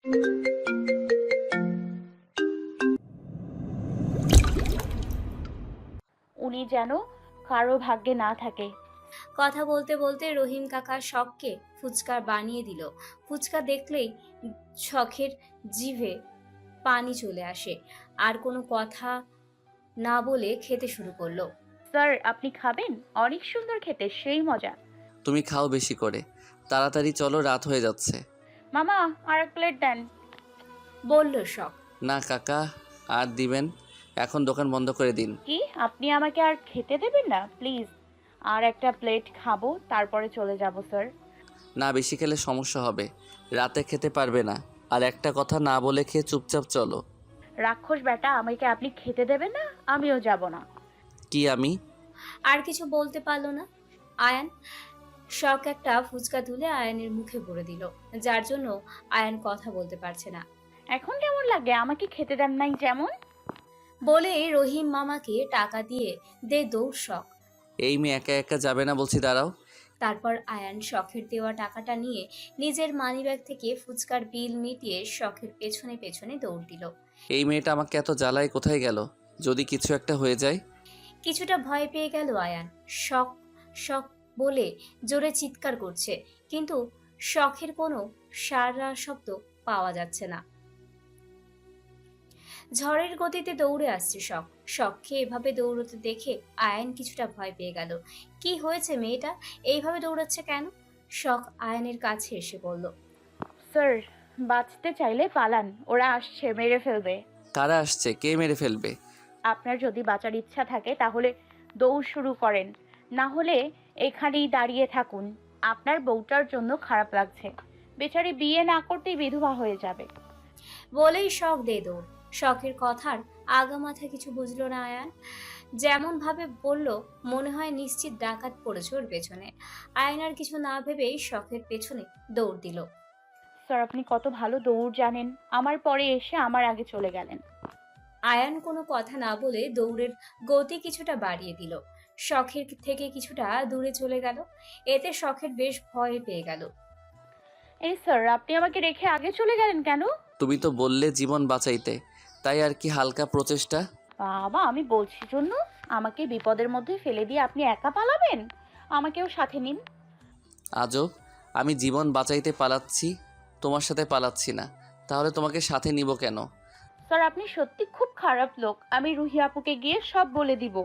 উনি যেন কারো ভাগ্যে না থাকে। কথা বলতে বলতে রহিম কাকা শখকে ফুচকা বানিয়ে দিল। ফুচকা দেখলেই শখের জিভে পানি চলে আসে। আর কোনো কথা না বলে খেতে শুরু করলো। স্যার, আপনি খাবেন? অনেক সুন্দর খেতে, সেই মজা। তুমি খাও বেশি করে, তাড়াতাড়ি চলো, রাত হয়ে যাচ্ছে। মামা, আর এক প্লেট দেন। বলল শখ। না কাকা, আর দিবেন? এখন দোকান বন্ধ করে দিন। কি, আপনি আমাকে আর খেতে দেবেন না? প্লিজ, আর একটা প্লেট খাবো, তারপরে চলে যাব স্যার। না, বেশি খেলে সমস্যা হবে, রাতে খেতে পারবে না। আর একটা কথা না বলে খেয়ে চুপচাপ চলো। রাক্ষস বেটা, আমাকে আপনি খেতে দেবেন না? আমিও যাব না। কি আমি? আর কিছু বলতে পারলো না আয়ান। শখ একটা ফুচকা তুলে আয়ানের মুখে ভরে দিল, যার জন্য আয়ান কথা বলতে পারছে না। এখন কেমন লাগে? আমাকে খেতে দেন নাই যেমন। বলেই রহিম মামাকে টাকা দিয়ে দে দৌড় শখ। এই মেয়ে একা একা যাবে না বলছি, দাঁড়াও। তারপর আয়ান শখের দেওয়া টাকাটা নিয়ে নিজের মানিব্যাগ থেকে ফুচকার বিল মিটিয়ে শখের পেছনে পেছনে দৌড় দিল। এই মেয়েটা আমাকে এত জ্বালায়, কোথায় গেল? যদি কিছু একটা হয়ে যায়। কিছুটা ভয় পেয়ে গেল আয়ান। শখ শখ বলে জোরে চিৎকার করছে, কিন্তু শখের কোনো সাড়া শব্দ পাওয়া যাচ্ছে না। ঝড়ের গতিতে দৌড়ে আসছে শখ। শখকে এভাবে দৌড়তে দেখে আয়ান কিছুটা ভয় পেয়ে গেল। কি হয়েছে, মেয়েটা এইভাবে দৌড়াচ্ছে কেন? শখ আয়ানের কাছে এসে বলল। স্যার, বাঁচতে চাইলে পালান, ওরা আসছে, মেরে ফেলবে। কারা আসছে? কে মেরে ফেলবে? আপনার যদি বাঁচার ইচ্ছা থাকে তাহলে দৌড় শুরু করেন, না হলে এখানেই দাঁড়িয়ে থাকুন। আপনার বউটার জন্য খারাপ লাগছে, বেচারি বিয়ে না করতেই বিধবা হয়ে যাবে। বলেই শখ দে দৌড়। শখের কথার আগা মাথা কিছু বুঝলো না আয়ান। যেমন ভাবে বলল, মনে হয় নিশ্চিত ডাকাত পড়েছে ওর পেছনে। আয়ান আর কিছু না ভেবেই শখের পেছনে দৌড় দিল। স্যার, আপনি কত ভালো দৌড় জানেন, আমার পরে এসে আমার আগে চলে গেলেন। আয়ান কোনো কথা না বলে দৌড়ের গতি কিছুটা বাড়িয়ে দিল। শখের থেকে কিছুটা দূরে চলে গেল। এতে শখের বেশ ভয় পেয়ে গেল। এই স্যার, আপনি আমাকে রেখে আগে চলে গেলেন কেন? তুমি তো বললে জীবন বাঁচাইতে, তাই আর কি হালকা প্রচেষ্টা। বাবা, আমি বলছি জন্য আমাকে বিপদের মধ্যে ফেলে দিয়ে আপনি একা পালাবেন? আমাকেও সাথে নিন। আজব, আমি জীবন বাঁচাইতে পালাচ্ছি, তোমার সাথে পালাচ্ছি না। তাহলে তোমাকে সাথে নিব কেন? স্যার, আপনি সত্যি খুব খারাপ লোক, আমি রুহি আপুকে গিয়ে সব বলে দিব।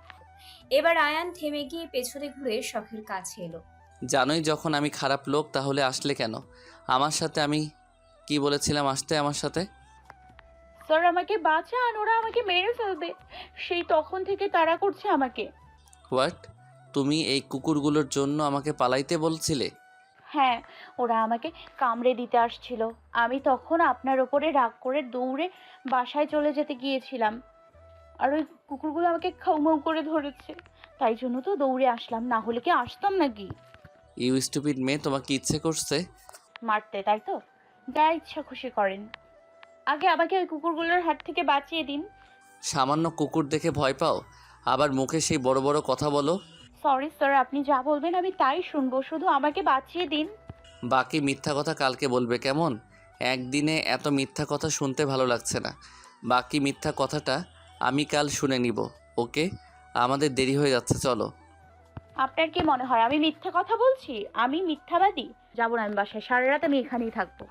এবার আয়ান থেমে গিয়ে পেছনে ঘুরে শখের কাছে এলো। জানোই যখন আমি খারাপ লোক, তাহলে আসলে কেন আমার সাথে? আমি কি বলেছিলাম আসতে আমার সাথে? স্যার, আমাকে বাঁচান, ওরা আমাকে মেরে ফেলবে, সেই তখন থেকে তাড়া করছে আমাকে। হোয়াট? তুমি এই কুকুরগুলোর জন্য আমাকে পালাইতে বলছিলে? হ্যাঁ, ওরা আমাকে কামড়ে দিতে আসছিল, আমি তখন আপনার ওপরে রাগ করে দৌড়ে বাসায় চলে যেতে গিয়েছিলাম, আর ওই কুকুরগুলো আমাকে খাউমাউ করে ধরেছে, তাই জন্য তো দৌড়ে আসলাম, না হলে কি আসতাম নাকি? ইউ স্টুপিড মেয়ে, তোমাকে ইচ্ছে করছে মারতে, তাই তো? যা ইচ্ছা খুশি করেন, আগে আমাকে ওই কুকুরগুলোর হাত থেকে বাঁচিয়ে দিন। সামান্য কুকুর দেখে ভয় পাও, আবার মুখে সেই বড় বড় কথা বলো। সরি স্যার, আপনি যা বলবেন আমি তাই শুনবো, শুধু আমাকে বাঁচিয়ে দিন। বাকি মিথ্যা কথা কালকে বলবে, কেমন? একদিনে এত মিথ্যা কথা শুনতে ভালো লাগছে না। বাকি মিথ্যা কথাটা আমি কাল শুনে নিব। ওকে, আমাদের দেরি হয়ে যাচ্ছে, চলো। আপনার কি মনে হয় আমি মিথ্যা কথা বলছি? আমি মিথ্যাবাদী? যাবো না আমি বাসায়, সারা রাত আমি এখানেই থাকবো।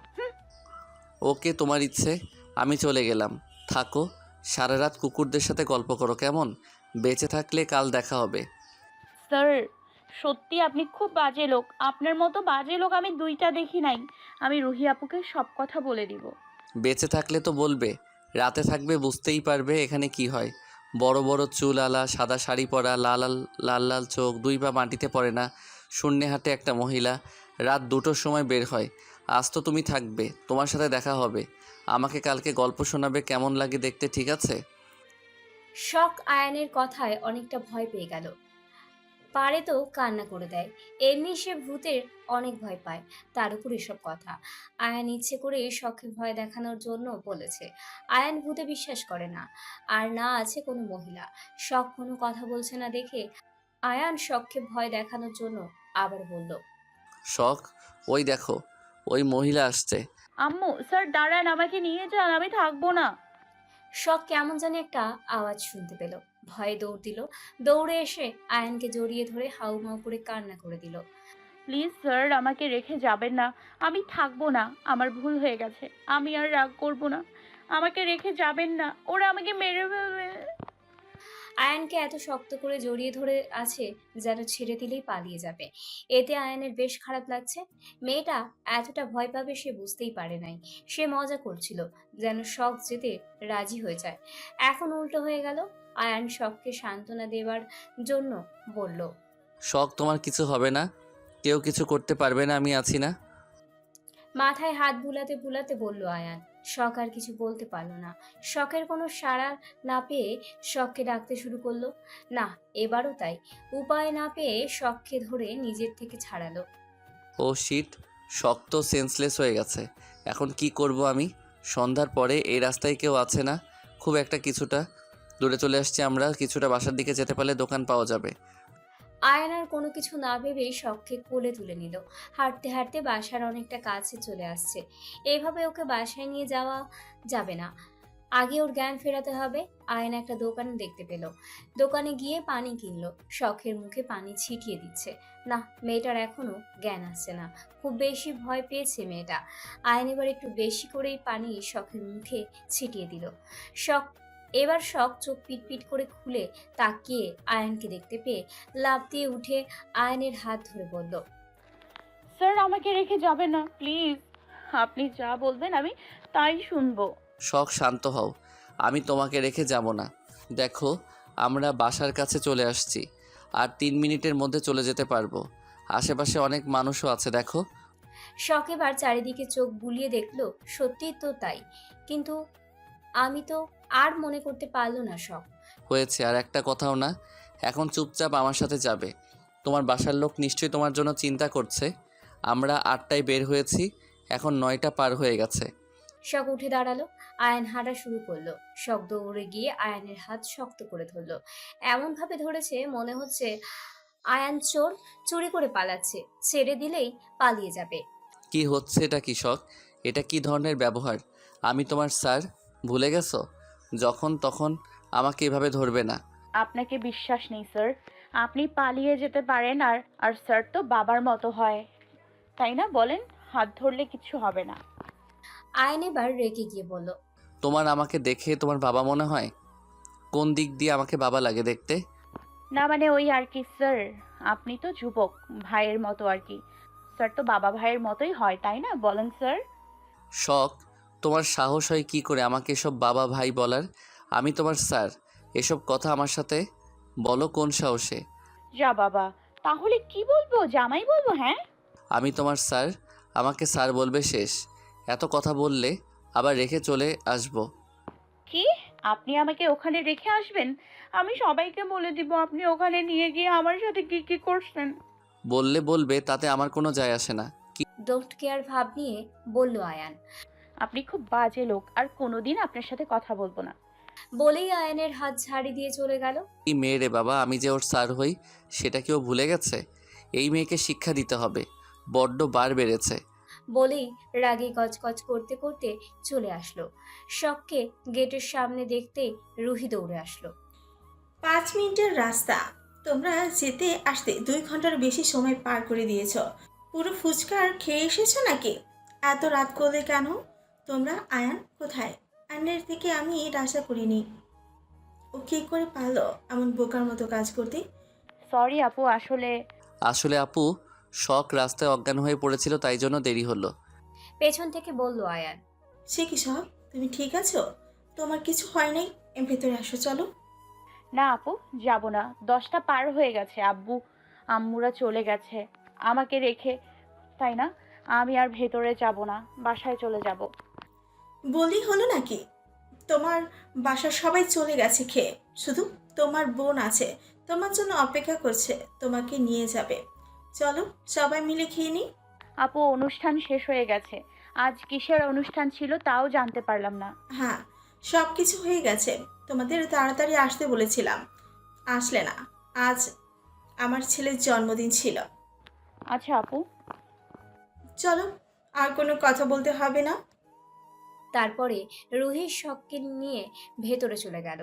ওকে, তোমার ইচ্ছে, আমি চলে গেলাম। থাকো, সারা রাত কুকুরদের সাথে গল্প করো, কেমন? বেঁচে থাকলে কাল দেখা হবে। স্যার, সত্যি আপনি খুব বাজে লোক, আপনার মতো বাজে লোক আমি দুইটা দেখি নাই। আমি রুহি আপুকে সব কথা বলে দিব। বেঁচে থাকলে তো বলবে, রাতে থাকবে বুঝতেই পারবে এখানে কি হয়। বড় বড় চুল আলা, সাদা শাড়ি পরা, লাল লাল লাল লাল চোখ, দুই পা মাটিতে পড়ে না, শূন্যে হাঁটে একটা মহিলা, রাত 2টোর সময় বের হয়। আজ তো তুমি থাকবে, তোমার সাথে দেখা হবে, আমাকে কালকে গল্প শোনাবে, কেমন লাগে দেখতে, ঠিক আছে? শখ আয়ানের কথায় অনেকটা ভয় পেয়ে গেল। পারে তো কান্না করে দেয়। এমনি সে ভূতের অনেক ভয় পায়, তার উপর এসব কথা। আয়ান ইচ্ছে করে শখে ভয় দেখানোর জন্য বলেছে। আয়ান ভূতে বিশ্বাস করে না, আর না আছে কোনো মহিলা। শখ কোনো কথা বলছে না দেখে আয়ান শখকে ভয় দেখানোর জন্য আবার বলল। শখ, ওই দেখো, ওই মহিলা আসছে, আম্মু স্যার দাঁড়ান, আমাকে নিয়ে যান, আমি থাকবো না। শখ কেমন জানি একটা আওয়াজ শুনতে পেল। ভয়ে দৌড় দিল। দৌড়ে এসে আয়ানকে জড়িয়ে ধরে হাউমাউ করে কান্না করে দিল। প্লিজ স্যার আমাকে রেখে যাবেন না, আমি থাকবো না, আমার ভুল হয়ে গেছে, আমি আর রাগ করবো না, আমাকে রেখে যাবেন না, ওরা আমাকে মেরে ফেলবে। আয়ানকে এত শক্ত করে জড়িয়ে ধরে আছে যেন ছেড়ে দিলেই পালিয়ে যাবে। এতে আয়ানের বেশ খারাপ লাগছে। মেয়েটা এতটা ভয় পাবে সে বুঝতেই পারে নাই। সে মজা করছিল, যেন শখ যেতে রাজি হয়ে যায়। এখন উল্টো হয়ে গেল। আয়ান শখকে সান্ত্বনা দেওয়ার জন্য বলল, শখ, তোমার কিছু হবে না, কেউ কিছু করতে পারবে না, আমি আছি না। মাথায় হাত বুলাতে বুলাতে বলল আয়ান। শখ আর কিছু বলতে পারলো না। শখের কোনো সাড়া না পেয়ে শখকে ডাকতে শুরু করলো। না, এবারও তাই। উপায় না পেয়ে শখকে ধরে নিজের থেকে ছাড়ালো। ও শিট, শখ তো সেন্সলেস হয়ে গেছে। এখন কি করব আমি? সন্ধ্যার পরে এই রাস্তায় কেউ আছে না, খুব একটা কিছুটা দূরে চলে আসছি আমরা, কিছুটা বাসার দিকে যেতে পারলে দোকান পাওয়া যাবে। আয়ান আর কোনো কিছু না ভেবেই শখকে কোলে তুলে নিল। হাঁটতে হাঁটতে বাসার অনেকটা কাছে চলে আসছে। এইভাবে ওকে বাসায় নিয়ে যাওয়া যাবে না। আগে ওর জ্ঞান ফেরাতে হবে। আয়ন একটা দোকান দেখতে পেল। দোকানে গিয়ে পানি কিনলো। শখের মুখে পানি ছিটিয়ে দিচ্ছে। না, মেয়েটার এখনো জ্ঞান আসছে না। খুব বেশি ভয় পেয়েছে মেয়েটা। আয়ন এবার একটু বেশি করেই পানি শখের মুখে ছিটিয়ে দিল। শখ এবার শখ চোখ পিটপিট করে খুলে তাকিয়ে আয়নকে দেখতে পেয়ে লাফ দিয়ে উঠে আয়নের হাত ধরে বলল, স্যার আমাকে রেখে যাবেন না প্লিজ, আপনি যা বলবেন আমি তাই শুনবো। শখ, শান্ত হও, আমি তোমাকে রেখে যাব না। দেখো, আমরা বাসার কাছে চলে আসছি, আর 3 মিনিটের মধ্যে চলে যেতে পারবো। আশেপাশে অনেক মানুষও আছে, দেখো। শখ এবার চারিদিকে চোখ বুলিয়ে দেখলো, সত্যিই তো তাই। কিন্তু আমি তো আর মনে করতে পারলো না শখ। হয়েছে, আর একটা কথাও না, এখন চুপচাপ আমার সাথে যাবে। তোমার বাসার লোক নিশ্চয়ই তোমার জন্য চিন্তা করছে। আমরা 8টায় বের হয়েছি, এখন 9টা পার হয়ে গেছে। শখ উঠে দাঁড়ালো। আয়ান হাঁটা শুরু করলো। শখ দৌড়ে গিয়ে আয়ানের হাত শক্ত করে ধরলো। এমন ভাবে ধরেছে মনে হচ্ছে আয়ান চোর, চুরি করে পালাচ্ছে, ছেড়ে দিলেই পালিয়ে যাবে। কি হচ্ছে এটা? কি শখ, এটা কি ধরনের ব্যবহার? আমি তোমার স্যার, ভুলে গেছো? যখন তখন আমাকে এভাবে ধরবে না। আপনাকে বিশ্বাস নেই স্যার, আপনি পালিয়ে যেতে পারেন, আর আর স্যার তো বাবার মতো হয়, তাই না বলেন? হাত ধরলে কিছু হবে না। আয়ান এবার রেগে গিয়ে বলল, তোমার আমাকে দেখে তোমার বাবা মনে হয়? কোন দিক দিয়ে আমাকে বাবা লাগে দেখতে? না মানে ওই আর কি স্যার, আপনি তো যুবক, ভাইয়ের মতো আর কি, স্যার তো বাবা ভাইয়ের মতোই হয়, তাই না বলেন স্যার? শখ, তোমার সাহস হয় কি করে আমাকে এসব বাবা ভাই বলার? আমি তোমার স্যার, এসব কথা আমার সাথে বলো কোন সাহসে? যা বাবা, তাহলে কি বলবো, জামাই বলবো? হ্যাঁ, আমি তোমার স্যার, আমাকে স্যার বলবে, শেষ। এত কথা বললে আবার রেখে চলে আসবো। কি? আপনি আমাকে ওখানে রেখে আসবেন? আমি সবাইকে বলে দিব আপনি ওখানে নিয়ে গিয়ে আমার সাথে কি কি করছেন। বললে বলবে, তাতে আমার কোনো যায় আসে না। ডোন্ট কেয়ার ভাব নিয়ে বলল আয়ান। আপনি খুব বাজে লোক, আর কোনোদিন আপনার সাথে কথা বলবো না। বলেই আয়ানের হাত ঝাড়ি দিয়ে চলে গেল। কি মেয়ে রে বাবা, আমি যে ওর স্যার হই সেটা কি ও ভুলে গেছে? এই মেয়েকে শিক্ষা দিতে হবে, বড্ড বার বেড়েছে। বলেই রাগে গজগজ করতে করতে চলে আসলো। শখকে গেটের সামনে দেখতেই রুহি দৌড়ে আসলো। 5 মিনিটের রাস্তা, তোমরা যেতে আসতে 2 ঘন্টার বেশি সময় পার করে দিয়েছ। পুরো ফুচকা আর খেয়ে এসেছো নাকি? এত রাত করলে কেন তোমরা? আয়ান কোথায়? আয়নের থেকে আমি এটা আশা করিনি। ও কী করে পারলো এমন বোকার মতো কাজ করতে? সরি আপু, আসলে আপু, শখ রাস্তায় অজ্ঞান হয়ে পড়েছিল, তাই জন্য দেরি হলো। পেছন থেকে বলল আয়ান। সে কি সব? তুমি ঠিক আছো? তোমার কিছু হয় নাই? ভেতরে আসো, চলো। না আপু, যাব না, 10টা পার হয়ে গেছে, আব্বু আম্মুরা চলে গেছে আমাকে রেখে, তাই না? আমি আর ভেতরে যাব না, বাসায় চলে যাব। বলি হলো নাকি? তোমার বাসার সবাই চলে গেছে খেয়ে, শুধু তোমার বোন আছে, তোমার জন্য অপেক্ষা করছে, তোমাকে নিয়ে যাবে। চলো সবাই মিলে খেয়ে নিই। আপু অনুষ্ঠান শেষ হয়ে গেছে, আজ কিসের অনুষ্ঠান ছিল তাও জানতে পারলাম না। হ্যাঁ, সব কিছু হয়ে গেছে, তোমাদের তাড়াতাড়ি আসতে বলেছিলাম, আসলে না। আজ আমার ছেলের জন্মদিন ছিল। আচ্ছা আপু। চলো আর কোনো কথা বলতে হবে না। তারপরে রুহির শখকে নিয়ে ভেতরে চলে গেল।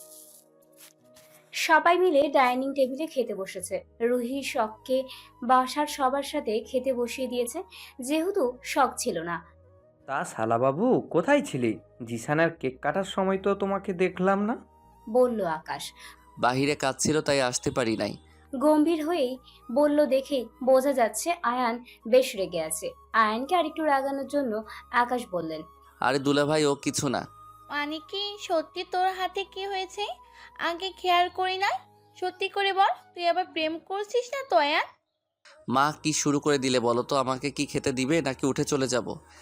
সবাই মিলে ডাইনিং টেবিলে খেতে বসেছে। রুহি শখকে বাসার সবার সাথে খেতে বসিয়ে দিয়েছে, যেহেতু শখ ছিল না। তা শালাবাবু কোথায় ছিলি? জিসানের কেক কাটার সময় তো তোমাকে দেখলাম না। বলল আকাশ। বাহিরে কাজ ছিল তাই আসতে পারি নাই। গম্ভীর হয়েই বলল দেখেই বোঝা যাচ্ছে আয়ান বেশ রেগে আছে। আয়ানকে আরেকটু রাগানোর জন্য আকাশ বললেন, আরে দুলাভাই ও কিছু না। মানে কি সত্যি তোর হাতে কি হয়েছে? আগে খেয়াল করি না। সত্যি করে বল, তুই আবার প্রেম করছিস না তো আয়ান? মা কি শুরু করে দিলে বলো তো? আমাকে কি খেতে দিবে নাকি উঠে চলে যাব?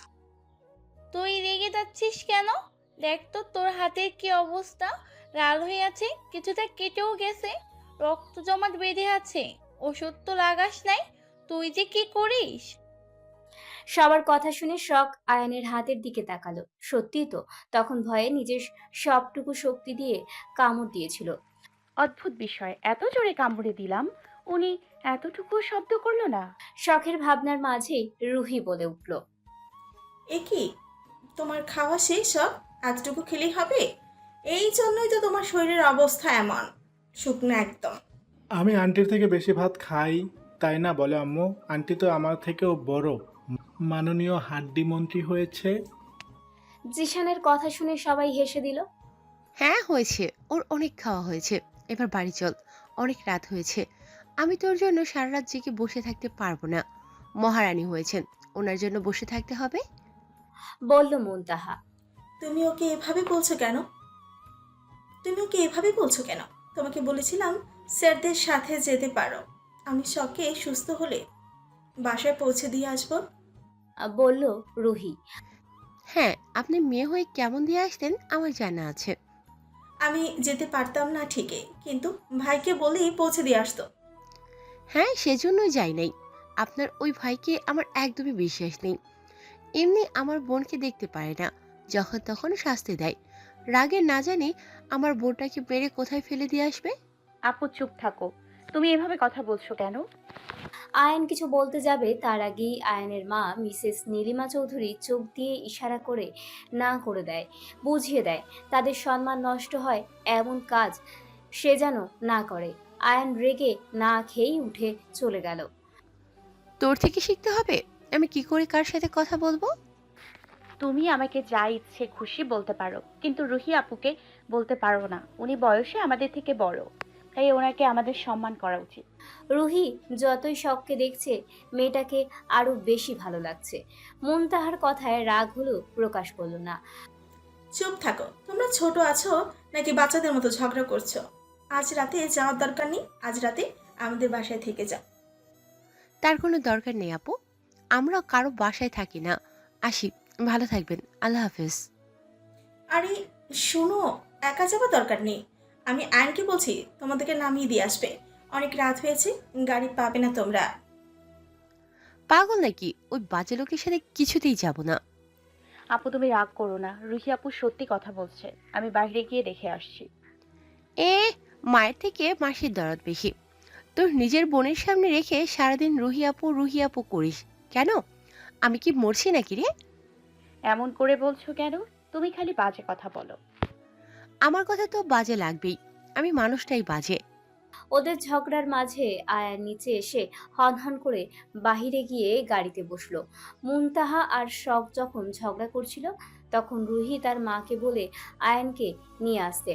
তুই রেগে যাচ্ছিস কেন? দেখ তো তোর হাতের কি অবস্থা। লাল হয়ে আছে, কিছুটা কেটেও গেছে, রক্ত জমাট বেঁধে আছে। ওষুধ তো লাগাস নাই, তুই যে কি করিস? সবার কথা শুনে শখ আয়ানের হাতের দিকে তাকালো। সত্যিই তো, তখন ভয়ে নিজের সবটুকু শক্তি দিয়ে কামড় দিয়েছিল। অদ্ভুত বিষয়, এত জোরে কামড়ে দিলাম, উনি এতটুকু শব্দ করলো না। শখের ভাবনার মাঝেই রুহি বলে উঠল, এ কি, তোমার খাওয়া শেষ সব? এতটুকু খেলেই হবে? এই জন্যই তো তোমার শরীরের অবস্থা এমন, শুকনো একদম। আমি আন্টির থেকে বেশি ভাত খাই, তাই না বলে আম্মু? আন্টি তো আমার থেকেও বড় মাননীয় হাড্ডি মন্ত্রী হয়েছে। জিশানের কথা শুনে সবাই হেসে দিল। হ্যাঁ হয়েছে, ওর অনেক খাওয়া হয়েছে, এবার বাড়ি চল, অনেক রাত হয়েছে। আমি তোর জন্য সারা রাত জেগে বসে থাকতে পারবো না। মহারানী হয়েছেন, ওনার জন্য বসে থাকতে হবে। বলল মুনতাহা। তুমি ওকে এভাবে বলছো কেন? তুমি ওকে এভাবে বলছো কেন? তোমাকে বলেছিলাম স্যারদের সাথে যেতে পারো, আমি শখে সুস্থ হলে বাসায় পৌঁছে দিয়ে আসবো। বলল রুহি। হ্যাঁ, আপনি মেয়ে হয়ে কেমন দিয়ে আসতেন আমার জানা আছে। আমি যেতে পারতাম না ঠিকই, কিন্তু ভাইকে বলেই পৌঁছে দিয়ে আসতো। হ্যাঁ, সেজন্যই যাই নাই। আপনার ওই ভাইকে আমার একদমই বিশ্বাস নেই। এমনি আমার বোনকে দেখতে পারে না, যখন তখন শাস্তি দেয়। রাগে না জানি আমার বোনটাকে মেরে কোথায় ফেলে দিয়ে আসবে। আপু চুপ থাকো, তুমি এভাবে কথা বলছো কেন? আয়ান কিছু বলতে যাবে তার আগেই আয়ানের মা মিসেস নীলিমা চৌধুরী চোখ দিয়ে ইশারা করে না করে দেয়, বুঝিয়ে দেয় তাদের সম্মান নষ্ট হয় এমন কাজ সে যেন না করে। আয়ান রেগে না খেয়েই উঠে চলে গেল। তোর থেকে শিখতে হবে আমি কি করে কার সাথে কথা বলবো। তুমি আমাকে যা ইচ্ছে খুশি বলতে পারো, কিন্তু রুহি আপুকে বলতে পারো না। উনি বয়সে আমাদের থেকে বড়, তাই ওনাকে আমাদের সম্মান করা উচিত। রুহি যতই শখকে দেখছে মেয়েটাকে আরো বেশি ভালো লাগছে। মুনতাহার কথায় রাগ হলেও প্রকাশ করলো না। চুপ থাকো, তোমরা ছোট আছো নাকি বাচ্চাদের মতো ঝগড়া করছো? আজ রাতে যাওয়ার দরকার নেই, আজ রাতে আমাদের বাসায় থেকে যাও। তার কোনো দরকার নেই আপু, আমরা কারো বাসায় থাকি না। আসি, ভালো থাকবেন, আল্লাহ হাফেজ। আরে শোনো, একা যাওয়ার দরকার নেই, আমি আইনকে বলছি তোমাদেরকে নামিয়ে দিয়ে আসবে। অনেক রাত হয়েছে, গাড়ি পাবে না তোমরা। পাগল নাকি? ওই বাজে লোকের সাথে কিছুতেই যাব না। আপু তুমি রাগ করো না, রুহি আপু সত্যি কথা বলছে। আমি বাইরে গিয়ে দেখে আসছি। এ, মায়ের থেকে মাসির দরদ বেশি। তোর নিজের বোনের সামনে রেখে সারাদিন রুহি আপু করিস কেন? আমি কি মরছি নাকি রে? এমন করে বলছো কেন? তুমি খালি বাজে কথা বলো। আমার কথা তো বাজে লাগবেই, আমি মানুষটাই বাজে। ওদের ঝগড়ার মাঝে আয়ার নিচে এসে হনহন করে বাহিরে গিয়ে গাড়িতে বসলো। মুনতাহা আর শখ যখন ঝগড়া করছিল তখন রুহি তার মাকে বলে আয়ানকে নিয়ে আসতে।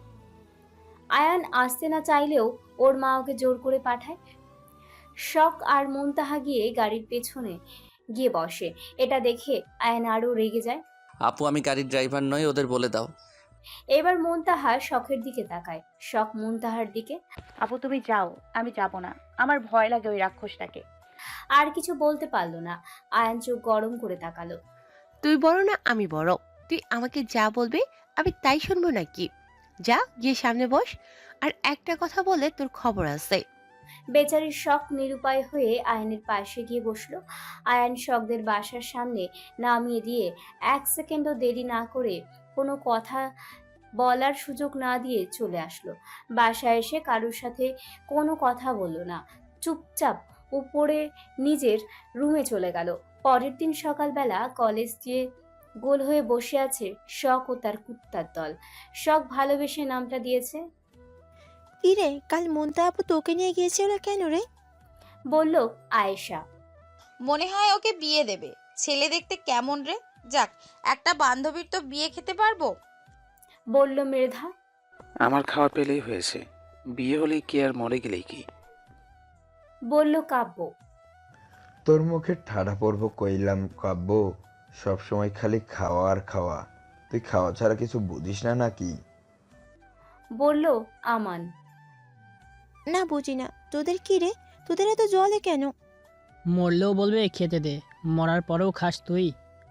আয়ান আসতে না চাইলেও ওর মা ওকে জোর করে পাঠায়। শখ আর মুনতাহা গিয়ে গাড়ির পেছনে গিয়ে বসে। এটা দেখে আয়ান আরো রেগে যায়। আপু আমি গাড়ির ড্রাইভার নই, ওদের বলে দাও। এবার মুনতাহা শখের দিকে তাকায়, শখ মুনতাহার দিকে। আপু তুমি যাও, আমি যাব না, আমার ভয় লাগে ওই রাক্ষসটাকে। আর কিছু বলতে পারলো না। আয়ান চোখ গরম করে তাকালো। তুই বড় না আমি বড়? তুই আমাকে যা বলবি আমি তাই শুনবো নাকি? যা গিয়ে সামনে বস, আর একটা কথা বলে তোর খবর আছে। বেচারির শখ নিরুপায় হয়ে আয়ানের পাশে গিয়ে বসলো। আয়ান শখদের বাসার সামনে নামিয়ে দিয়ে 1 সেকেন্ডও দেরি না করে কোনো কথা বলার সুযোগ না দিয়ে চলে আসলো। বাসায় এসে কারোর সাথে কোনো কথা বলল না, চুপচাপ উপরে নিজের রুমে চলে গেল। পরের দিন সকালবেলা কলেজ যে গোল হয়ে বসে আছে শখ ও তার কুত্তার দল। শখ ভালোবেসে নামটা দিয়েছে। কি রে, কাল মন্তা আপু তোকে নিয়ে গিয়েছিল কেন রে? বলল আয়েশা। মনে হয় ওকে বিয়ে দেবে। ছেলে দেখতে কেমন রে? যাক, একটা বান্ধবীর তো বিয়ে খেতে পারবো। বলল মৃধা। আমার খাওয়া পেলেই হয়েছে, বিয়ে হলেই কি আর মরে গেলেই কি? বলল কাব্য। তোর মুখে ঠাডা পড়ব কইলাম কাব্য, সবসময় খালি খাওয়া আর খাওয়া। তুই খাওয়া ছাড়া কিছু বুঝিস না নাকি? বলল আমান। না বুঝি না, তোদের কি রে, তোদের এত জলে কেন? মরলেও বলবে খেতে দে, মরার পরেও খাস তুই।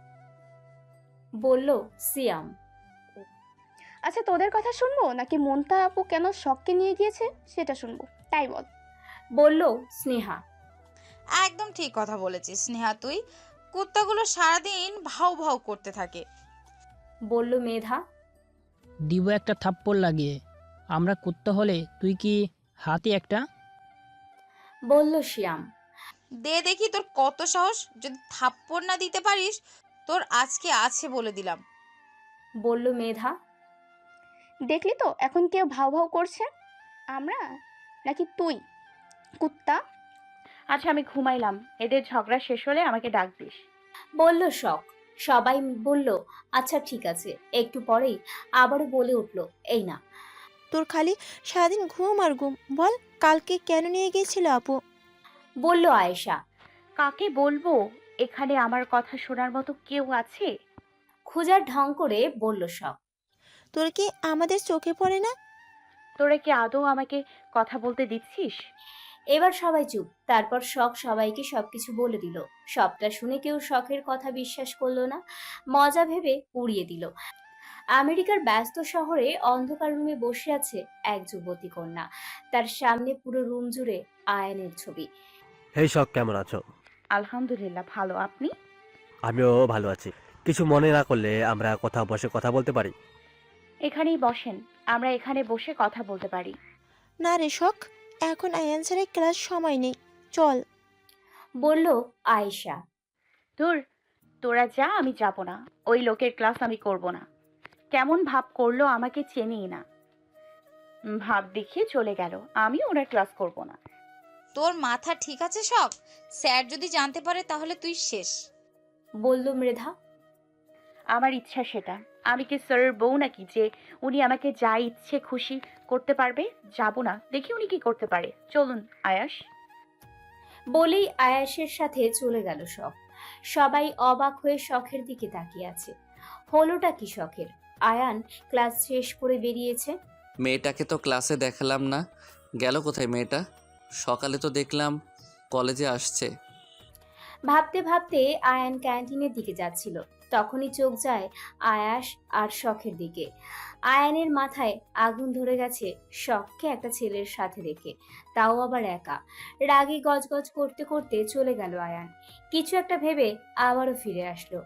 বলল সিয়াম। আচ্ছা, তোদের কথা শুনবো নাকি মন্তা আপু কেন শখকে নিয়ে গিয়েছে সেটা শুনবো? তাই বল। বলল স্নেহা। একদম ঠিক কথা বলেছিস স্নেহা তুই। কুত্তাগুলো সারাদিন ভাউ ভাউ করতে থাকে। বলল মেধা। দিব একটা থাপ্পড় লাগিয়ে। আমরা কুত্তা হলে তুই কি হাতি একটা? বলল শিয়াম। দে দেখি তোর কত সাহস। যদি থাপ্পড় না দিতে পারিস, তোর আজকে আছে বলে দিলাম। বলল মেধা। দেখলি তো এখন কেউ ভাও ভাও করছে? আমরা নাকি তুই কুত্তা? আচ্ছা, আমি ঘুমাইলাম। এদের ঝগড়া শেষ হলে আমাকে ডাক দিস। বলল শখ। সবাই বলল আচ্ছা ঠিক আছে। একটু পরেই আবারও বলে উঠল, এই না। তোর খালি সারাদিন ঘুম আর ঘুম। বল, কালকে কেন নিয়ে গিয়েছিল আপু? বলল আয়েশা। কাকে বলবো? এখানে আমার কথা শোনার মতো কেউ আছে? খোঁজার ঢং করে বলল শখ। তোর কি আমাদের চোখে পড়ে না? তোরা কি আদৌ আমাকে কথা বলতে দিচ্ছিস? এবার সবাই চুপ। তারপর শখ সবাইকে সবকিছু বলে দিল। সবটা শুনে কেউ শখের কথা বিশ্বাস করলো না, মজা ভেবে উড়িয়ে দিল। আমেরিকার ব্যস্ত শহরে অন্ধকার রুমে বসে আছে এক যুবতী কন্যা। তার সামনে পুরো রুম জুড়ে আয়ানের ছবি। হেই শখ, কেমন আছো? আলহামদুলিল্লাহ, ভালো। আপনি? আমিও ভালো আছি। কিছু মনে না করলে আমরা কোথাও বসে কথা বলতে পারি? এখানেই বসেন, আমরা এখানে বসে কথা বলতে পারি। না রে শখ, এখন আয়ান স্যারের ক্লাস সময় নেই, চল। বলল আয়েশা। ধুর, তোরা যা, আমি যাব না। ওই লোকের ক্লাস আমি করব না। কেমন ভাব করলো, আমাকে চেনেই না, ভাব দেখিয়ে চলে গেল। আমি ওনার ক্লাস করব না। তোর মাথা ঠিক আছে শখ? স্যার যদি জানতে পারে তাহলে তুই শেষ। বলল মৃধা। আমার ইচ্ছা সেটা। আমি কি স্যারের বউ নাকি যে উনি আমাকে যা ইচ্ছে খুশি করতে পারবে? যাব না, দেখি উনি কি করতে পারে। চলুন আয়াস। বলেই আয়াসের সাথে চলে গেল শখ। সবাই অবাক হয়ে শখের দিকে তাকিয়ে আছে। হলোটা কি শখের? আয়ান ক্লাস শেষ করে বেরিয়েছে। মেয়েটাকে তো ক্লাসে দেখালাম না, গেল কোথায় মেয়েটা? সকালে তো দেখলাম কলেজে আসছে। ভাবতে ভাবতে আয়ান ক্যান্টিনের দিকে যাচ্ছিল, তখনই চোখ যায় আয়াস আর শখের দিকে। আয়ানের মাথায় আগুন ধরে গেছে শখকে একটা ছেলের সাথে রেখে, তাও আবার একা। রাগে গজগজ করতে করতে চলে গেল আয়ান। কিছু একটা ভেবে আবারও ফিরে আসলো।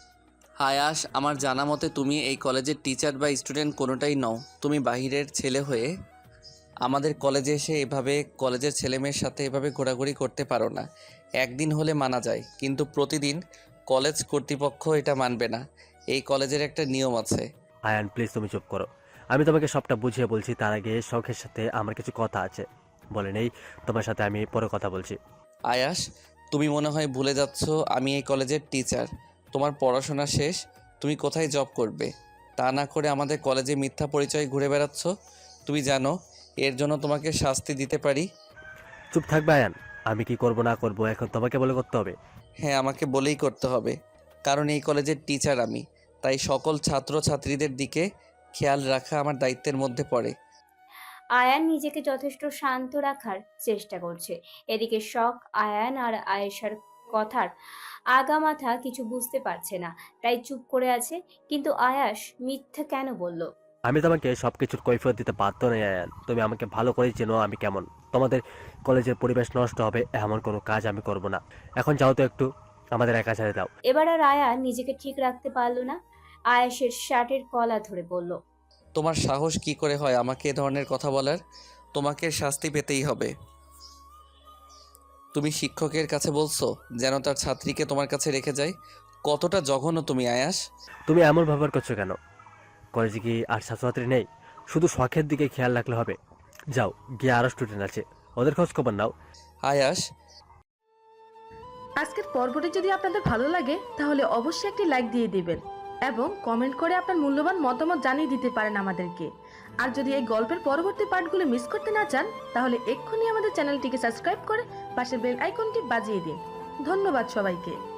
আয়াস, আমার জানা মতে তুমি এই কলেজের টিচার বা স্টুডেন্ট কোনোটাই নও। তুমি বাহিরের ছেলে হয়ে আমাদের কলেজে এসে এভাবে কলেজের ছেলেমেয়ের সাথে এভাবে ঘোরাঘুরি করতে পারো না। একদিন হলে মানা যায়, কিন্তু প্রতিদিন কলেজ কর্তৃপক্ষ এটা মানবে না। এই কলেজের একটা নিয়ম আছে। আয়ান প্লিজ তুমি চুপ করো, আমি তোমাকে সবটা বুঝিয়ে বলছি। তার আগে শখের সাথে আমার কিছু কথা আছে, বলে নেই তোমার সাথে আমি পরে কথা বলছি। আয়াস, তুমি মনে হয় ভুলে যাচ্ছ আমি এই কলেজের টিচার। তোমার পড়াশোনা শেষ, তুমি কোথায় জব করবে? তা না করে আমাদের কলেজে মিথ্যা পরিচয় ঘুরে বেড়াচ্ছ। তুমি জানো এর জন্য তোমাকে শাস্তি দিতে পারি। চুপ থাকবে আয়ান, আমি কি করব না করব এখন তোমাকে বলে করতে হবে? হ্যাঁ, আমাকে বলেই করতে হবে, কারণ এই কলেজের টিচার আমি। তাই সকল ছাত্র ছাত্রীদের দিকে খেয়াল রাখা আমার দায়িত্বের মধ্যে পড়ে। আয়ান নিজেকে যথেষ্ট শান্ত রাখার চেষ্টা করছে। এদিকে শখ আয়ান আর আয়েশার কথার আগামাথা কিছু বুঝতে পারছে না, তাই চুপ করে আছে। কিন্তু আয়াস মিথ্যা কেন বলল? আমি তোমাকে সবকিছুর কৈফিয়ত দিতে বাধ্য নই আয়ান, তুমি আমাকে ভালো করেই চেনো আমি কেমন। তোমাদের কলেজের পরিবেশ নষ্ট হবে এমন কোনো কাজ আমি করব না। এখন যাও তো, একটু আমাদের একা ছেড়ে দাও। এবার আর আয়ান নিজেকে ঠিক রাখতে পারল না, আয়েশের শার্টের কলা ধরে বলল, তোমার সাহস কি করে হয় আমাকে এ ধরনের কথা বলার? তোমাকে শাস্তি পেতেই হবে। তুমি শিক্ষকের কাছে বলছো যেন তার ছাত্রীকে তোমার কাছে রেখে যায়? কতটা জঘন্য তুমি, আয়াস! তুমি এমন ব্যবহার করছো কেন? কলেজে কি আর ছাত্রছাত্রী নেই? শুধু শখের দিকে খেয়াল রাখলে হবে? যাও গিয়ে আরও স্টুডেন্ট আছে, ওদের খোঁজ খবর নাও। আয়াস, আজকের পর্বটি যদি আপনাদের ভালো লাগে তাহলে অবশ্যই একটি লাইক দিয়ে দিবেন এবং কমেন্ট করে আপনার মূল্যবান মতামত জানিয়ে দিতে পারেন আমাদেরকে। আর যদি এই গল্পের পরবর্তী পার্টগুলো মিস করতে না চান তাহলে এক্ষুনি আমাদের চ্যানেলটিকে সাবস্ক্রাইব করে পাশের বেল আইকনটি বাজিয়ে দিন। ধন্যবাদ সবাইকে।